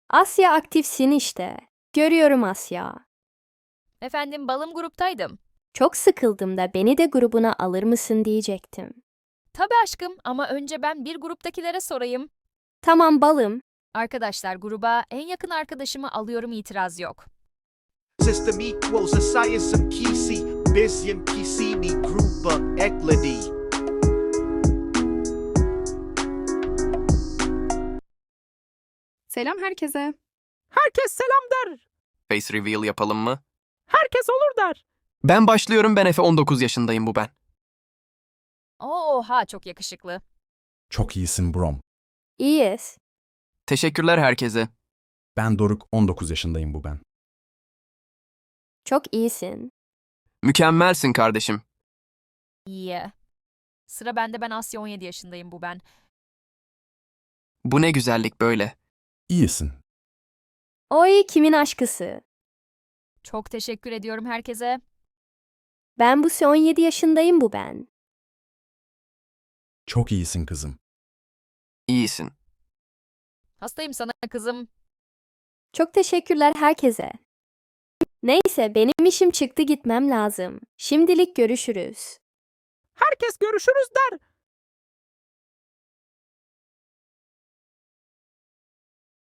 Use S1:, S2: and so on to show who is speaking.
S1: Asya aktifsin işte. Görüyorum Asya.
S2: Efendim balım gruptaydım.
S1: Çok sıkıldım da beni de grubuna alır mısın diyecektim.
S2: Tabii aşkım ama önce ben bir gruptakilere sorayım.
S1: Tamam balım.
S2: Arkadaşlar gruba en yakın arkadaşımı alıyorum itiraz yok.
S3: System equals a science kisi, Bisyan kisini gruba ekledi.
S4: Selam herkese.
S5: Herkes selam der.
S6: Face reveal yapalım mı?
S5: Herkes olur der.
S6: Ben başlıyorum. Ben Efe, 19 yaşındayım, bu ben.
S2: Oha çok yakışıklı.
S7: Çok iyisin Brom.
S1: İyiyiz.
S6: Teşekkürler herkese.
S7: Ben Doruk, 19 yaşındayım bu ben.
S1: Çok iyisin.
S6: Mükemmelsin kardeşim.
S2: İyi. Sıra bende, ben Asya 17 yaşındayım bu ben.
S6: Bu ne güzellik böyle.
S7: İyisin.
S1: Oy kimin aşkısı?
S2: Çok teşekkür ediyorum herkese.
S1: Ben bu 17 yaşındayım bu ben.
S7: Çok iyisin kızım.
S6: İyisin.
S2: Hastayım sana kızım.
S1: Çok teşekkürler herkese. Neyse benim işim çıktı, gitmem lazım. Şimdilik görüşürüz.
S5: Herkes görüşürüz der.